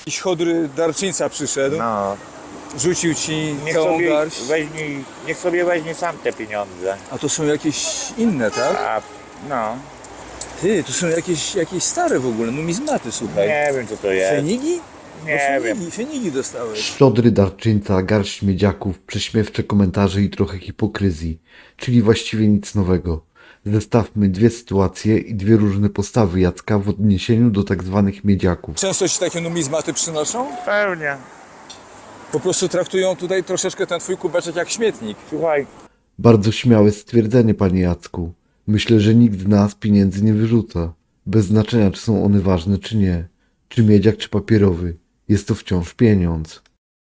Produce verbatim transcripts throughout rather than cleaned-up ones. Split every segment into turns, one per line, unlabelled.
Jakiś chodry darczyńca przyszedł,
No,
rzucił ci
niech
całą
sobie
garść.
weźmie, niech sobie weźmie sam te pieniądze.
A to są jakieś inne, tak?
A, no,
Ty, to są jakieś, jakieś stare w ogóle, numizmaty, słuchaj.
nie wiem co to jest.
Fenigi?
Nie
No,
wiem.
fenigi, fenigi dostałeś.
Szczodry darczyńca, garść miedziaków, prześmiewcze komentarze i trochę hipokryzji, czyli właściwie nic nowego. Zestawmy dwie sytuacje i dwie różne postawy Jacka w odniesieniu do tak zwanych miedziaków.
Często ci takie numizmaty przynoszą?
Pewnie.
Po prostu traktują tutaj troszeczkę ten twój kubeczek jak śmietnik.
Słuchaj,
Bardzo śmiałe stwierdzenie, panie Jacku. Myślę, że nikt z nas pieniędzy nie wyrzuca. Bez znaczenia, czy są one ważne, czy nie. Czy miedziak, czy papierowy. Jest to wciąż pieniądz.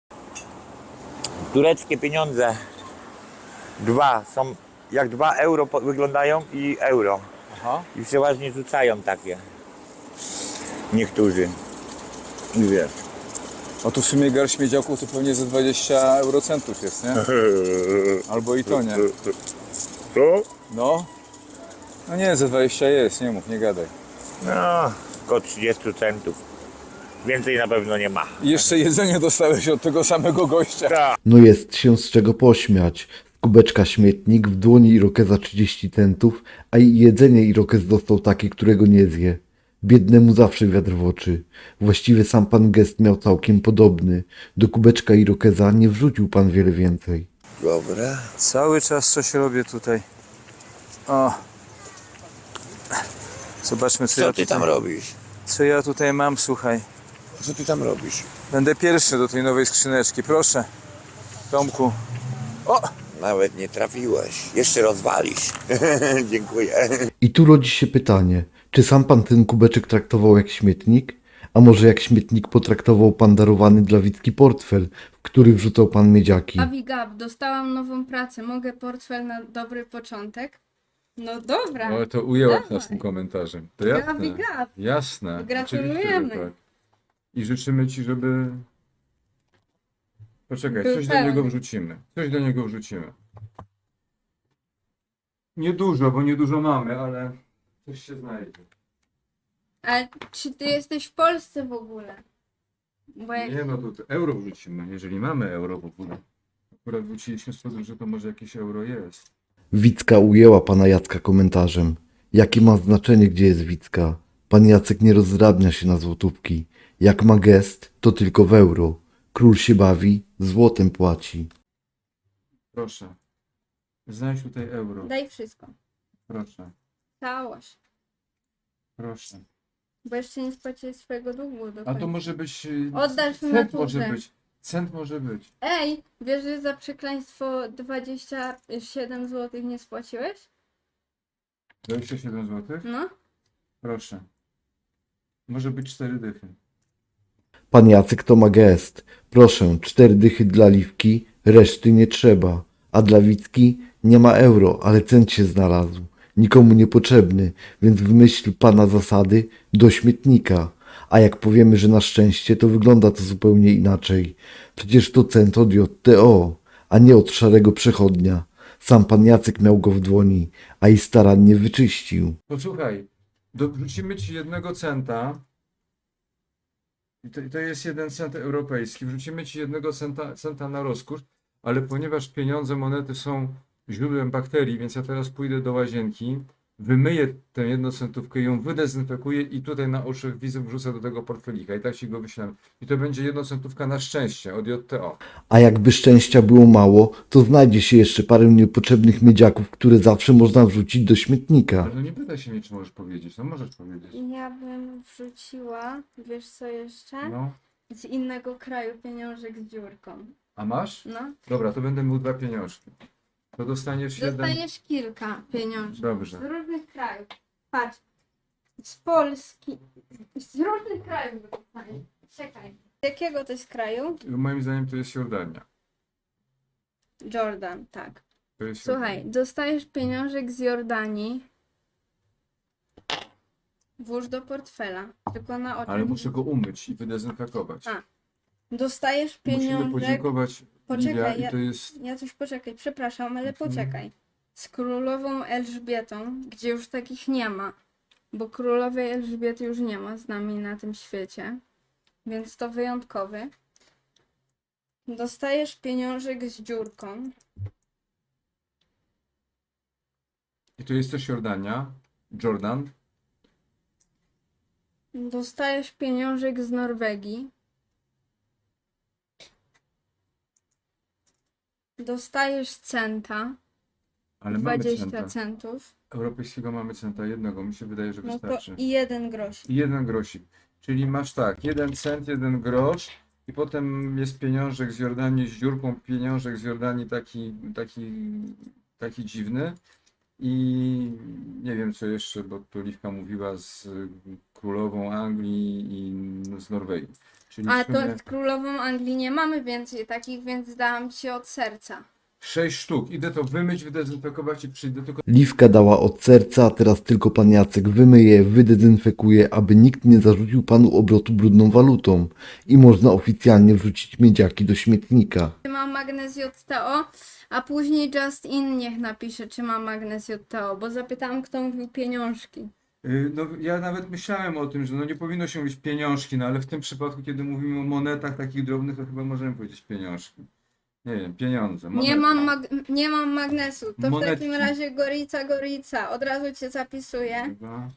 tureckie pieniądze. Dwa są, jak dwa euro po- wyglądają i euro.
Aha.
I przeważnie rzucają takie. Niektórzy. I wiesz.
A tu w sumie garść miedziaków to pewnie ze dwadzieścia eurocentów jest, nie? Albo i to nie.
Co?
No. No nie, ze dwadzieścia jest, nie mów, nie gadaj.
No, około trzydzieści centów. Więcej na pewno nie ma.
I jeszcze jedzenie dostałeś od tego samego gościa.
Tak.
No jest się z czego pośmiać. Z kubeczka śmietnik, w dłoni irokeza trzydzieści centów, a i jedzenie irokez dostał takie, którego nie zje. Biednemu zawsze wiatr w oczy. Właściwie sam pan gest miał całkiem podobny. Do kubeczka irokeza nie wrzucił pan wiele więcej.
Dobra.
Cały czas coś robię tutaj. O. Zobaczmy, co,
Co
ja
ty
tutaj,
tam robisz?
co ja tutaj mam, słuchaj.
Co ty tam robisz?
Będę pierwszy do tej nowej skrzyneczki, proszę. Tomku. O!
Nawet nie trafiłeś. Jeszcze rozwalisz. Dziękuję.
I tu rodzi się pytanie, czy sam pan ten kubeczek traktował jak śmietnik? A może jak śmietnik potraktował pan darowany dla Witki portfel, w który wrzucał pan miedziaki?
Avigab, dostałam nową pracę. Mogę portfel na dobry początek? No dobra.
Ale to ujęłaś
Dawaj.
nas tym komentarzem. To jasne.
Avigab.
Jasne.
Gratulujemy.
Oczywiście, że tak. I życzymy ci, żeby... Poczekaj,
Był
coś do
pełny.
niego wrzucimy. Coś do niego wrzucimy. Niedużo, bo niedużo mamy, ale coś się znajdzie.
Ale czy ty jesteś w Polsce w ogóle? Bo jak...
Nie no, to euro wrzucimy, jeżeli mamy euro w ogóle. Akurat wróciliśmy z tego, że to może jakieś euro jest.
Wicka ujęła pana Jacka komentarzem. Jakie ma znaczenie, gdzie jest Wicka? Pan Jacek nie rozdrabnia się na złotówki. Jak ma gest, to tylko w euro. Król się bawi, złotem płaci.
Proszę. Znajdź tutaj euro.
Daj wszystko.
Proszę.
Całość.
Proszę.
Bo jeszcze nie spłaciłeś swojego długu do
A
końca.
to może być... y,
Oddasz mi
Cent
naturze.
może być. Cent może być.
Ej, wiesz, że za przekleństwo dwadzieścia siedem złotych nie spłaciłeś?
dwadzieścia siedem złotych?
No.
Proszę. Może być cztery dychy.
Pan Jacek to ma gest. Proszę, cztery dychy dla Liwki, reszty nie trzeba. A dla Witki nie ma euro, ale cent się znalazł. Nikomu niepotrzebny, więc w myśl pana zasady do śmietnika. A jak powiemy, że na szczęście, to wygląda to zupełnie inaczej. Przecież to cent od J T O, a nie od szarego przechodnia. Sam pan Jacek miał go w dłoni, a i starannie wyczyścił.
Posłuchaj, do, wrzucimy ci jednego centa. I to, to jest jeden cent europejski. Wrzucimy ci jednego centa, centa na rozkósz, ale ponieważ pieniądze, monety są źródłem bakterii, więc ja teraz pójdę do łazienki, wymyję tę jednocentówkę, ją wydezynfekuję i tutaj na oczach widzów wrzucę do tego portfelika i tak ci go wyślę. I to będzie jednocentówka na szczęście od J T O.
A jakby szczęścia było mało, to znajdzie się jeszcze parę niepotrzebnych miedziaków, które zawsze można wrzucić do śmietnika.
Ale no nie pytaj się mnie, czy możesz powiedzieć. No możesz powiedzieć.
Ja bym wrzuciła, wiesz co jeszcze?
No.
Z innego kraju pieniążek z dziurką.
A masz?
No.
Dobra, to będę miał dwa pieniążki. To dostaniesz jeden...
Dostaniesz kilka pieniążków.
Dobrze.
Z różnych krajów. Patrz. Z Polski. Z różnych krajów dostaniesz. Czekaj. Z jakiego to jest kraju?
Moim zdaniem to jest Jordania.
Jordan, tak.
To jest
Słuchaj, dostajesz pieniążek z Jordanii. Włóż do portfela. Tylko na oczach.
Ale muszę go umyć i wydezynfekować.
A, Dostajesz
Musimy
pieniążek.
podziękować
Poczekaj,
Livia i
ja-
to jest...
Ja coś poczekaj, przepraszam, ale
Mhm.
poczekaj. Z królową Elżbietą, gdzie już takich nie ma, bo królowej Elżbiety już nie ma z nami na tym świecie. więc to wyjątkowy. Dostajesz pieniążek z dziurką.
I to jest też Jordania. Jordan.
Dostajesz pieniążek z Norwegii. Dostajesz centa,
Ale mamy
dwadzieścia
centa.
centów.
Europejskiego mamy centa jednego. Mi się wydaje, że
No to
wystarczy.
i jeden grosz.
I jeden grosik. Czyli masz tak, jeden cent, jeden grosz i potem jest pieniążek z Jordanii z dziurką, pieniążek z Jordanii taki, taki, taki dziwny i nie wiem co jeszcze, bo tu Liwka mówiła z królową Anglii i z Norwegii. Czyli
A
w sumie
to z królową Anglii nie mamy więcej takich, więc dałam ci od serca.
sześć sztuk. Idę to wymyć, wydezynfekować i przyjdę tylko.
Liwka dała od serca, a teraz tylko pan Jacek wymyje, wydezynfekuje, aby nikt nie zarzucił panu obrotu brudną walutą i można oficjalnie wrzucić miedziaki do śmietnika.
Czy ma magnez J T O, a później Just In niech napisze, czy ma magnez J T O, bo zapytałam, kto mówił pieniążki.
Y, No, ja nawet myślałem o tym, że no nie powinno się mówić pieniążki, no ale w tym przypadku, kiedy mówimy o monetach takich drobnych, to chyba możemy powiedzieć pieniążki. Nie wiem, pieniądze.
Nie
monety.
mam, mag- nie mam magnesu, to w
Monetki.
takim razie Gorica, Gorica, od razu cię zapisuję.
Dwa.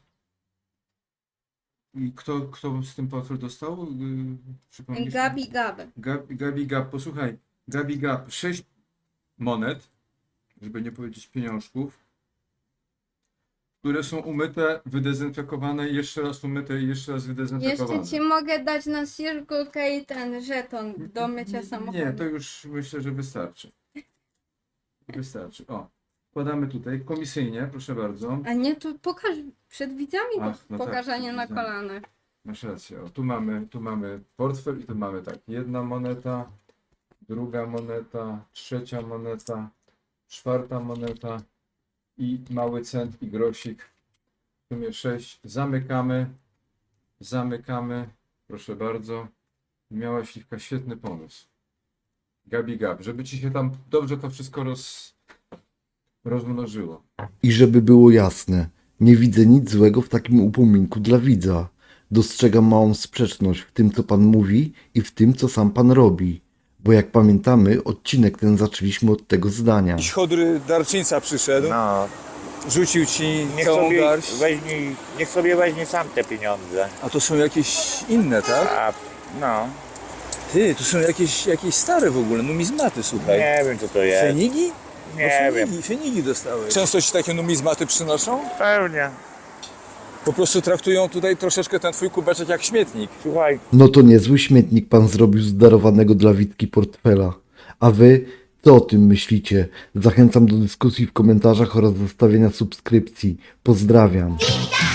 I kto, kto z tym portfel dostał? Yy, przypomnisz?
Gabi Gab.
Gabi, Gabi Gap. Posłuchaj, Gabi Gap. Sześć monet, żeby nie powiedzieć pieniążków, które są umyte, wydezynfekowane, jeszcze raz umyte i jeszcze raz wydezynfekowane.
Jeszcze ci mogę dać na Circle K ten żeton do mycia samochodu.
Nie, to już myślę, że wystarczy. Wystarczy. O, wkładamy tutaj komisyjnie, proszę bardzo.
A nie, to pokaż przed widzami,
Ach,
to
no tak,
pokażanie
przed
na
widzami.
kolanach.
Masz rację. O, tu mamy, tu mamy portfel i tu mamy tak. Jedna moneta, druga moneta, trzecia moneta, czwarta moneta i mały cent i grosik. W sumie sześć. Zamykamy. Zamykamy. Proszę bardzo. Miałaś, Liwka, świetny pomysł. Gabi Gab, żeby ci się tam dobrze to wszystko roz, rozmnożyło.
I żeby było jasne, nie widzę nic złego w takim upominku dla widza. Dostrzegam małą sprzeczność w tym, co pan mówi i w tym, co sam pan robi. Bo jak pamiętamy, odcinek ten zaczęliśmy od tego zdania.
Jakiś chodry darczyńca przyszedł,
No,
rzucił ci
niech
całą
sobie,
garść,
weźmie, niech sobie weźmie sam te pieniądze.
a to są jakieś inne, tak?
A, no,
Ty, to są jakieś, jakieś stare w ogóle, numizmaty, słuchaj.
nie wiem co to jest.
Fenigi?
Nie
no,
wiem.
fenigi, fenigi dostałeś. Często ci takie numizmaty przynoszą?
Pewnie.
Po prostu traktują tutaj troszeczkę ten twój kubeczek jak śmietnik.
Słuchaj,
No to niezły śmietnik pan zrobił z darowanego dla Witki portfela. A wy, co o tym myślicie? Zachęcam do dyskusji w komentarzach oraz zostawienia subskrypcji. Pozdrawiam.